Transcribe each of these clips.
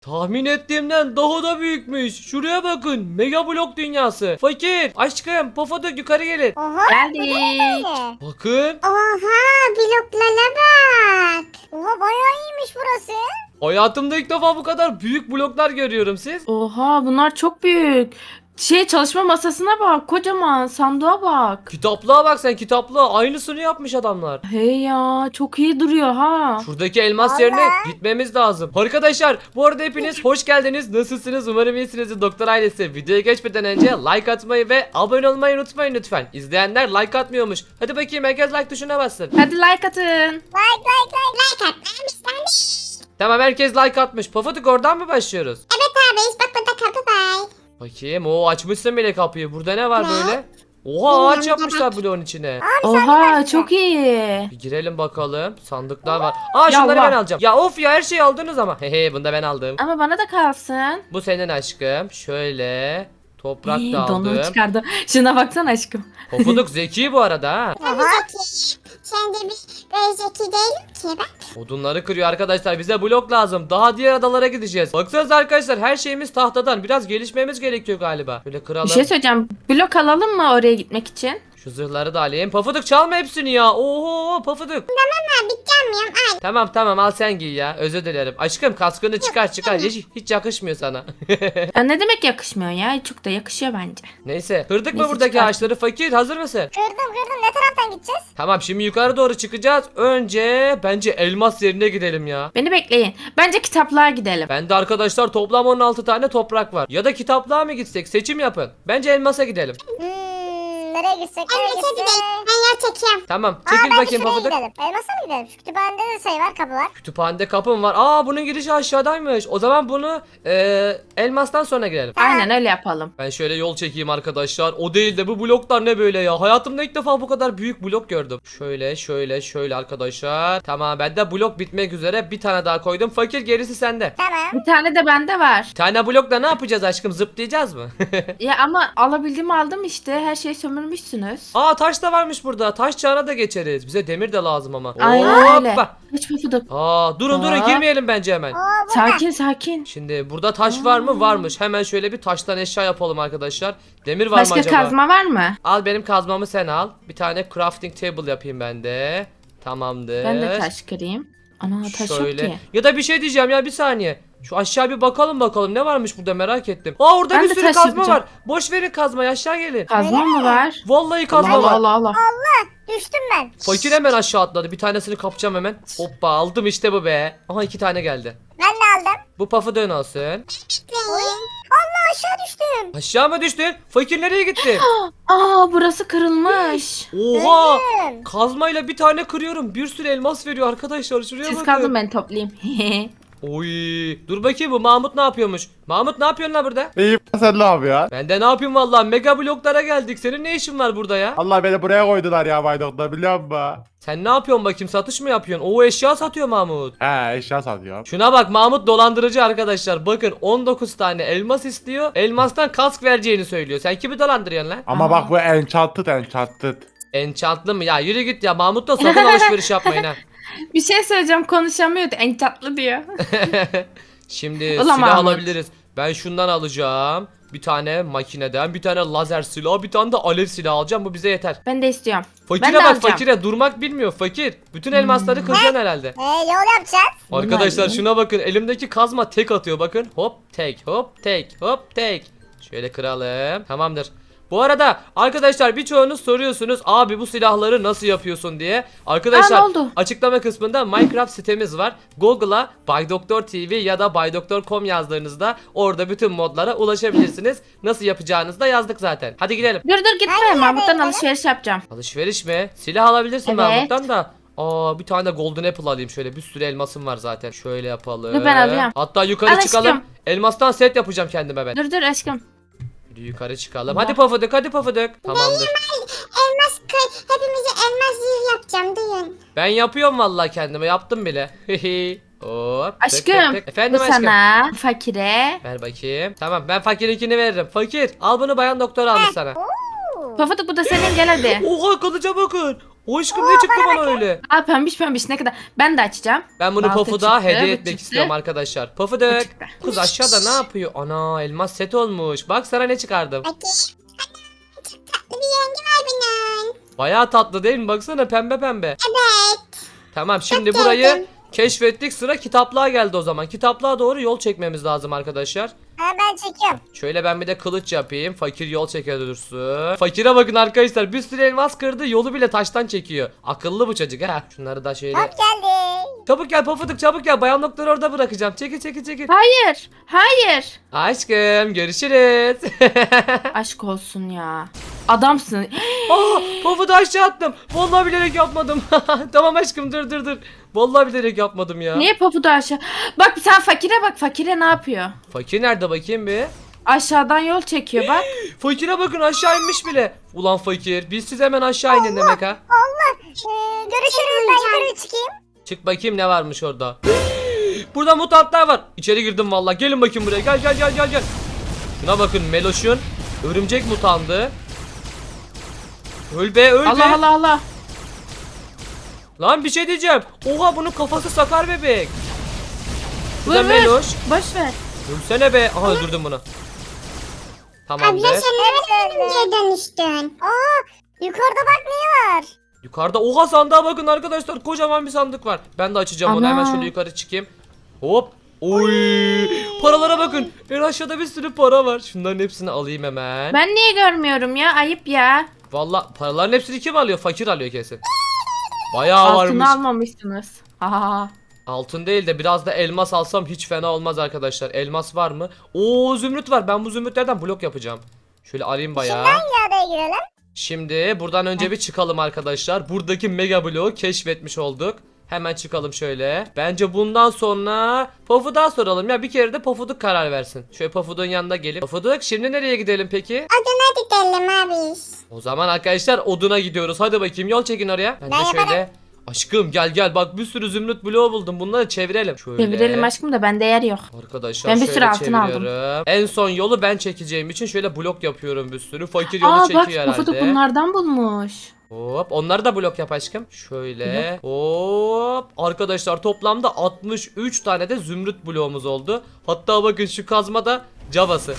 Tahmin ettiğimden daha da büyükmüş. Şuraya bakın. Mega blok dünyası. Fakir, aşkım, Pofuduk yukarı gelin. Oha. Geldik. Böyle. Bakın. Oha bloklara bak. Oha bayağı iyiymiş burası. Hayatımda ilk defa bu kadar büyük bloklar görüyorum siz. Oha bunlar çok büyük. Çalışma masasına bak. Kocaman sandığa bak. Kitaplığa bak sen, kitaplığa. Aynısını yapmış adamlar. Hey ya çok iyi duruyor ha. Şuradaki elmas Vallahi. yerine gitmemiz lazım. Arkadaşlar bu arada hepiniz hoş geldiniz. Nasılsınız? Umarım iyisinizdir doktor ailesi. Videoya geçmeden önce like atmayı ve abone olmayı unutmayın lütfen. İzleyenler like atmıyormuş. Hadi bakayım herkes like tuşuna bassın. Hadi like atın. Like atmışlar. Tamam, herkes like atmış. Pofuduk oradan mı başlıyoruz? Evet abi bak burada kapı var. Bakayım. Oo, açmışsın bile kapıyı. Burada ne var Ne? böyle? Oha, ağaç yapmışlar bloğun içine. Oha çok iyi. Bir girelim bakalım. Sandıklar var. Aa, şunları Yallah. ben alacağım. Ya of ya, her şeyi aldınız ama. Hehe, bunu da ben aldım. Ama bana da kalsın. Bu senin aşkım. Şöyle. Toprak da Donumu aldım. çıkardı. Şuna baksana aşkım. Pofuduk zeki bu arada ha. Tabii zeki. Sen de böyle zeki değilim ki bak. Odunları kırıyor arkadaşlar. Bize blok lazım. Daha diğer adalara gideceğiz. Baksanıza arkadaşlar, her şeyimiz tahtadan. Biraz gelişmemiz gerekiyor galiba. Böyle kıralım. Bir şey söyleyeceğim. Blok alalım mı oraya gitmek için? Şu zırhları da alayım. Pofuduk çalma hepsini ya. Oho Pofuduk. Ha biteceğim al. Tamam al sen giy ya. Özür dilerim. Aşkım kaskını çıkar. Hiç yakışmıyor sana. Ya ne demek yakışmıyor ya? Çok da yakışıyor bence. Neyse. Kırdık mı Neyse, buradaki çıkar. ağaçları? Fakir, hazır mısın? Kırdım ne taraftan gideceğiz? Tamam, şimdi yukarı doğru çıkacağız. Önce bence elmas yerine gidelim ya. Beni bekleyin. Bence kitaplığa gidelim. Bende arkadaşlar toplam 16 tane toprak var. Ya da kitaplığa mı gitsek? Seçim yapın. Bence elmasa gidelim. Nereye gitsek? Elmas'a gidelim. Ben yer çekeyim. Tamam. Çekil bakayım Pofuduk. gidelim. Elmas'a mı gidelim? Şu kütüphanede de şey var kapı var. Kütüphanede kapım var. Aa, bunun girişi aşağıdaymış. O zaman bunu elmastan sonra girelim. Aynen öyle yapalım. Ben şöyle yol çekeyim arkadaşlar. O değil de bu bloklar ne böyle ya? Hayatımda ilk defa bu kadar büyük blok gördüm. Şöyle arkadaşlar. Tamam, bende blok bitmek üzere. Bir tane daha koydum. Fakir, gerisi sende. Tamam. Bir tane de bende var. Bir tane blokla ne yapacağız aşkım? Zıplayacağız mı? Ya ama alabildiğimi aldım işte. Her şeyi sömürmüşsünüz. Aa, taş da varmış burada. Taş çağına da geçeriz. Bize demir de lazım ama. Aynen öyle. Hoppa. Hiç Pofuduk. Aa, durun Aa. girmeyelim bence hemen. Oo burada. Sakin. Şimdi burada taş var mı? Varmış. Hemen şöyle bir taştan eşya yapalım arkadaşlar. Demir var mı Başka acaba? kazma var mı? Al, benim kazmamı sen al. Bir tane crafting table yapayım ben de. Tamamdır. Ben de taş kırayım. Ana taş Şöyle. yok ki. Ya da bir şey diyeceğim ya, bir saniye. Şu aşağı bir bakalım ne varmış burada, merak ettim. Aa, orada Ben bir de sürü taş kazma yapacağım. var. Boş verin kazmayı, aşağı gelin. Kazma mı var? Vallahi kazma Allah var. Allah. Düştüm ben. Fakir hemen aşağı atladı. Bir tanesini kapacağım hemen. Hoppa, aldım işte bu be. Aha, 2 tane geldi. Ben de aldım. Bu pafı dön olsun. Allah aşağı düştüm. Aşağı mı düştün? Fakir nereye gitti? Aa burası kırılmış. Oha! Öldüm. Kazmayla bir tane kırıyorum. Bir sürü elmas veriyor arkadaşlar. Şuraya Siz bakın. kazın ben toplayayım. Oy! Dur bakayım, bu Mahmut ne yapıyormuş? Mahmut, ne yapıyorsun lan burada? İyiyim, sen ne yapıyorsun? Ben de ne yapayım vallahi, mega bloklara geldik. Senin ne işin var burada ya? Allah beni buraya koydular ya Baydok'ta, biliyor musun? Sen ne yapıyorsun bakayım, satış mı yapıyorsun? Oo, eşya satıyor Mahmut. He, eşya satıyorum. Şuna bak, Mahmut dolandırıcı arkadaşlar. Bakın, 19 tane elmas istiyor. Elmastan kask vereceğini söylüyor. Sen kimi dolandırıyorsun lan? Ama Aa. bak bu enchanted. Enchantlı mı? Ya yürü git ya, Mahmut'la sakın alışveriş yapmayın ha. Bir şey söyleyeceğim konuşamıyordu. En tatlı diyor. Şimdi Ulan silah Mahmut. alabiliriz. Ben şundan alacağım. Bir tane makineden, bir tane lazer silahı, bir tane de alev silahı alacağım. Bu bize yeter. Ben de istiyorum. Fakire Ben de bak, alacağım. fakire durmak bilmiyor fakir. Bütün elmasları kıracaksın herhalde. Yol yapacağız. Arkadaşlar Vallahi. şuna bakın, elimdeki kazma tek atıyor bakın. Hop tek, hop tek, hop tek. Şöyle kıralım. Tamamdır. Bu arada arkadaşlar, birçoğunuz soruyorsunuz abi bu silahları nasıl yapıyorsun diye. Arkadaşlar ne oldu? açıklama kısmında Minecraft sitemiz var. Google'a Bay Doktor TV ya da baydoktor.com yazdığınızda orada bütün modlara ulaşabilirsiniz. Nasıl yapacağınızı da yazdık zaten. Hadi gidelim. Dur gitme. Hangi Mahmut'tan yerden alışveriş yapacağım. Alışveriş mi? Silah alabilirsin Evet. Mahmut'tan da. Aa, bir tane de golden apple alayım şöyle, bir sürü elmasım var zaten. Şöyle yapalım. Dur, ben alıyorum. Hatta yukarı Al çıkalım. aşkım. Elmastan set yapacağım kendime ben. Dur aşkım. Yürü, yukarı çıkalım. Allah. Hadi Pofuduk, hadi Pofuduk. Tamamdır. Elmas hepimize elmas zırh yapacağım duyun. Ben yapıyorum vallahi, kendime yaptım bile. Hop. tık, Aşkım. tık, tık. Efendim Bu aşkım. sana. Fakire. Ver bakayım. Tamam, ben fakirinkini veririm. Fakir, al bunu, bayan doktor almış sana. Pofuduk bu da senin gel hadi. Oha, kılıca bakın. O aşkım ne çıktı bana öyle? Aa pembiş pembiş ne kadar. Ben de açacağım. Ben bunu Balta Pofuduk'a çıktı, hediye bu etmek çıktı. istiyorum arkadaşlar. Bu Pofuduk. çıktı. Kız aşağıda ne yapıyor? Ana elmas set olmuş. Bak sana ne çıkardım. Bakayım. Ana, çok tatlı bir rengi var bunun. Bayağı tatlı değil mi? Baksana pembe pembe. Evet. Tamam şimdi Çok burayı sevdim. keşfettik. Sıra kitaplığa geldi o zaman. Kitaplığa doğru yol çekmemiz lazım arkadaşlar. Ha, ben çekiyorum. Şöyle ben bir de kılıç yapayım. Fakir yol çeker dursun. Fakire bakın arkadaşlar. Bir sürü elmas kırdı. Yolu bile taştan çekiyor. Akıllı bu çocuk ha. Şunları da şöyle. Hop geldi. Çabuk gel Pofuduk çabuk gel. Bayan doktoru orada bırakacağım. Çekil çekil çekil. Hayır. Hayır. Aşkım görüşürüz. Aşk olsun ya. Adamsın. Pofuduk aşağı attım. Vallahi bilerek yapmadım. Tamam aşkım dur. Vallahi bilerek yapmadım ya. Niye papudu aşağı? Bak sen fakire bak. Fakire ne yapıyor? Fakir nerede bakayım bir. Aşağıdan yol çekiyor bak. Fakire bakın aşağı inmiş bile. Ulan fakir biz siz hemen aşağı inin demek ha. Görüşürüz, ben yukarı çıkayım. Çık bakayım ne varmış orada. Burada mutantlar var. İçeri girdim vallahi. Gelin bakayım buraya. Gel. Şuna bakın Meloş'un örümcek mutandı. Öl be. Allah Allah Allah. Lan bir şey diyeceğim. Oha bunun kafası sakar bebek. Bu Vur da vur. Meloş. Boş ver. Ölsene be. Aha öldürdüm bunu. Tamamdır. Abla sen nereden örümceğe dönüştün? Yukarıda bak ne var? Yukarıda oha sandığa bakın arkadaşlar. Kocaman bir sandık var. Ben de açacağım onu. Ana. Hemen şöyle yukarı çıkayım. Hop. Oy. Paralara bakın. En aşağıda bir sürü para var. Şunların hepsini alayım hemen. Ben niye görmüyorum ya? Ayıp ya. Vallahi paraların hepsini kim alıyor? Fakir alıyor kesin. Bayağı varmış. Altını almamışsınız. Ha. Altın değil de biraz da elmas alsam hiç fena olmaz arkadaşlar. Elmas var mı? Oo zümrüt var. Ben bu zümrütlerden blok yapacağım. Şöyle alayım bayağı. Hangi adaya girelim? Şimdi buradan önce bir çıkalım arkadaşlar. Buradaki mega bloğu keşfetmiş olduk. Hemen çıkalım şöyle. Bence bundan sonra Pofuduk'a soralım. Ya bir kere de Pofuduk karar versin. Şöyle Pofuduk'un yanına gelip. Pofuduk şimdi nereye gidelim peki? Adına gidelim abi. O zaman arkadaşlar oduna gidiyoruz. Hadi bakayım yol çekin oraya. Ben de Ben şöyle. yaparım. Aşkım gel bak bir sürü zümrüt bloğu buldum. Bunları çevirelim. Şöyle. Çevirelim aşkım da bende yer yok. Arkadaşlar Ben bir şöyle sürü altın aldım. çeviriyorum. En son yolu ben çekeceğim için şöyle blok yapıyorum bir sürü. Fakir yolu Aa bak çekiyor Pofuduk herhalde. bunlardan bulmuş. Hop onları da blok yap aşkım. Şöyle hop. Arkadaşlar toplamda 63 tane de zümrüt bloğumuz oldu. Hatta bakın şu kazma da Java'sı.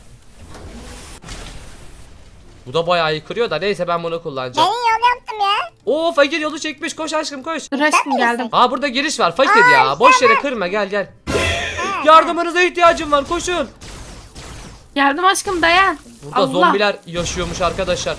Bu da bayağı iyi kırıyor da neyse ben bunu Ben kullanacağım. yol yaptım ya. Oo fakir yolu çekmiş koş aşkım koş. Dur aşkım geldim. Aa burada giriş var fakir ya. Boş yere kırma gel. Yardımınıza ihtiyacım var koşun. Geldim aşkım dayan. Burada Allah. zombiler yaşıyormuş arkadaşlar.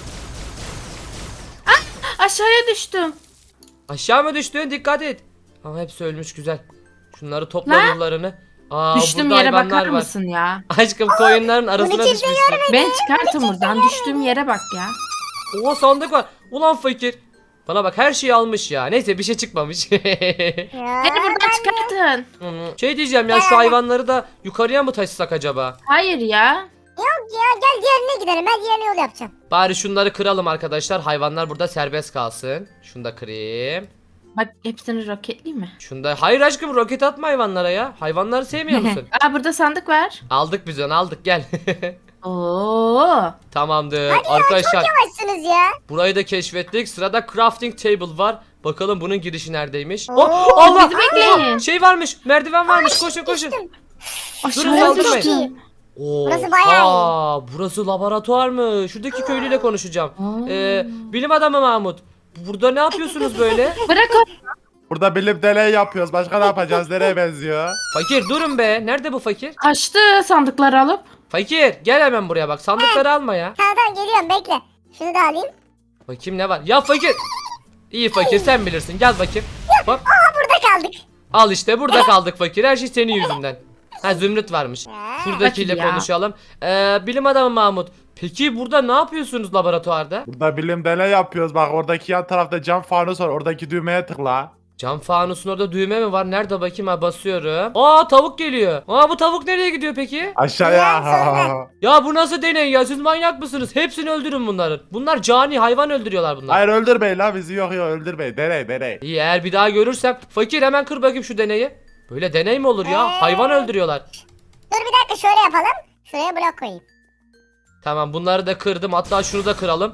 Aşağıya düştüm. Aşağı mı düştün? Dikkat et. Ama hepsi ölmüş güzel. Şunları topla Lan. yollarını. Aa Düştüğüm burada yere hayvanlar bakar var. mısın ya? Aşkım koyunların arasına kimse düşmüşsün. Ben çıkartım buradan. Düştüğüm yere bak ya. Oha sandık var. Ulan fakir. Bana bak her şeyi almış ya. Neyse bir şey çıkmamış. Ya, Beni buradan çıkartın. Şey diyeceğim ya şu hayvanları da yukarıya mı taşısak acaba? Hayır ya. Yok ya gel diğerine gidelim. Ben diğerine yol yapacağım. Bari şunları kıralım arkadaşlar. Hayvanlar burada serbest kalsın. Şunu da kırayım. Bak hepsini roketleyeyim mi? Şunu da... Hayır aşkım roket atma hayvanlara ya. Hayvanları sevmiyor musun? Aa burada sandık var. Aldık biz onu aldık gel. Oo. Tamamdır. Arkadaşlar Yavaşsınız ya. burayı da keşfettik. Sırada crafting table var. Bakalım bunun girişi neredeymiş? Oo, Oh, Allah! bizi bekleyin. Şey varmış. Merdiven varmış. Koşun koşun. Aşağıya saldırmayın. düştüm. Burası bayağı Oha, burası laboratuvar mı? Şuradaki köylüyle konuşacağım. Aa. Bilim adamı Mahmut. Burada ne yapıyorsunuz böyle? Bırak o. Burada bilim deney yapıyoruz. Başka ne yapacağız? Nereye benziyor? Fakir durun be. Nerede bu fakir? Kaçtı sandıkları alıp. Fakir gel hemen buraya bak. Sandıkları alma ya. Tamam geliyorum bekle. Şunu da alayım. Bakayım ne var? Ya fakir. İyi fakir sen bilirsin. Gel bakayım. Bak. Burada kaldık. Al işte burada kaldık fakir. Her şey senin yüzünden. Ha zümrüt varmış. Ya. Şuradakiyle Fakir ya. konuşalım. Bilim adamı Mahmut. Peki burada ne yapıyorsunuz laboratuvarda? Burada bilim deney yapıyoruz. Bak oradaki yan tarafta cam fanus var. Oradaki düğmeye tıkla. Cam fanusun orada düğme mi var? Nerede bakayım ha basıyorum. Aa tavuk geliyor. Aa bu tavuk nereye gidiyor peki? Aşağıya. Ya bu nasıl deney ya? Siz manyak mısınız? Hepsini öldürün bunların. Bunlar cani hayvan öldürüyorlar bunlar. Hayır öldürmeyin la bizi, yok öldürmeyin. Deney. İyi eğer bir daha görürsem fakir hemen kır bakayım şu deneyi. Böyle deney mi olur ya? Hayvan öldürüyorlar. Dur bir dakika şöyle yapalım. Şuraya blok koyayım. Tamam bunları da kırdım. Hatta şunu da kıralım.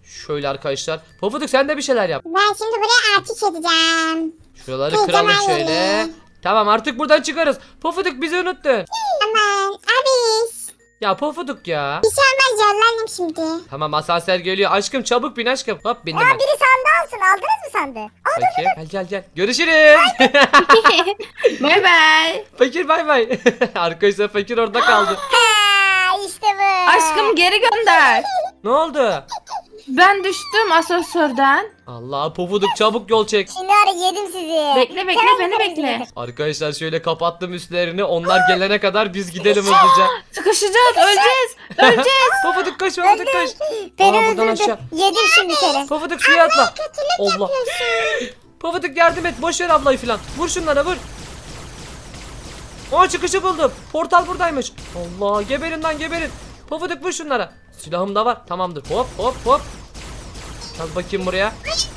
Şöyle arkadaşlar. Pofuduk sen de bir şeyler yap. Ben şimdi buraya artış edeceğim. Şuraları Hey, kıralım tamam, şöyle. öyle. Tamam artık buradan çıkarız. Pofuduk bizi unuttun. Aman abi. Ya Pofuduk ya. Bir şey olmaz yollandım şimdi. Tamam asansör geliyor. Aşkım çabuk bin aşkım. Hop bindim ben. Biri sandığı alsın. Aldınız mı sandığı? Fakir gel. Görüşürüz. Bay bay. Fakir bay bay. Arkadaşlar fakir orada kaldı. Ha, işte bu. Aşkım geri gönder. Ne oldu? Ben düştüm asansörden. Allah Pofuduk çabuk yol çek. Şimdi ara yedim sizi. Bekle Hemen beni gideriz bekle. şimdi. Arkadaşlar şöyle kapattım üstlerini. Onlar gelene kadar biz gidelim hızlıca. Sıkışacağız öleceğiz. Öleceğiz. Pofuduk koş Pofuduk koş. Beni Aa, buradan öldürdü. aşağı. Yedim şimdi seni. Pofuduk suya atla. Kötülük Allah. yapıyorsun. Pofuduk yardım et. Boş ver ablayı filan. Vur şunlara vur. Aa çıkışı buldum. Portal buradaymış. Allah geberin lan geberin. Pofuduk vur şunlara. Silahım da var. Tamamdır. Hop. Gel bakayım buraya.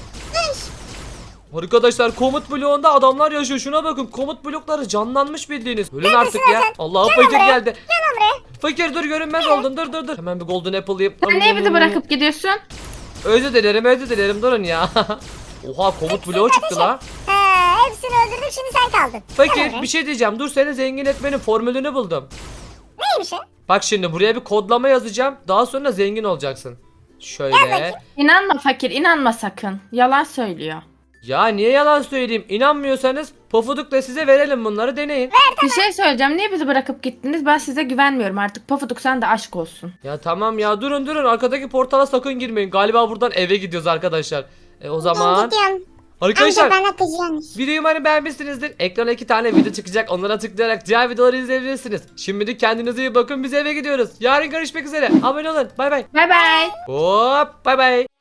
Arkadaşlar komut bloğunda adamlar yaşıyor. Şuna bakın. Komut blokları canlanmış bildiğiniz. Ölün artık ya. Allah fakir geldi. Fakir dur görünmez oldun. Dur. Hemen bir golden apple yiyeyim. Sen niye bizi bırakıp gidiyorsun? Özür dilerim. Durun ya. Oha komut bloğu çıktı la. Ha, hepsini öldürdüm şimdi sen kaldın. Fakir bir şey diyeceğim. Dur seni zengin etmenin formülünü buldum. Neymiş o? Bak şimdi buraya bir kodlama yazacağım. Daha sonra zengin olacaksın. Şöyle. İnanma fakir inanma sakın. Yalan söylüyor. Ya niye yalan söyleyeyim? İnanmıyorsanız Pofuduk'la size verelim bunları deneyin. Bir şey söyleyeceğim. Niye bizi bırakıp gittiniz? Ben size güvenmiyorum artık. Pofuduk sen de aşk olsun. Ya tamam ya durun. Arkadaki portala sakın girmeyin. Galiba buradan eve gidiyoruz arkadaşlar. O Ben zaman gidiyorum. arkadaşlar Amca bana kızıyormuş. videoyu umarım beğenmişsinizdir. Ekrana 2 tane video çıkacak. Onlara tıklayarak diğer videoları izleyebilirsiniz. Şimdilik kendinize iyi bakın. Biz eve gidiyoruz. Yarın görüşmek üzere. Abone olun. Bay bay. Bay bay. Hop bay bay.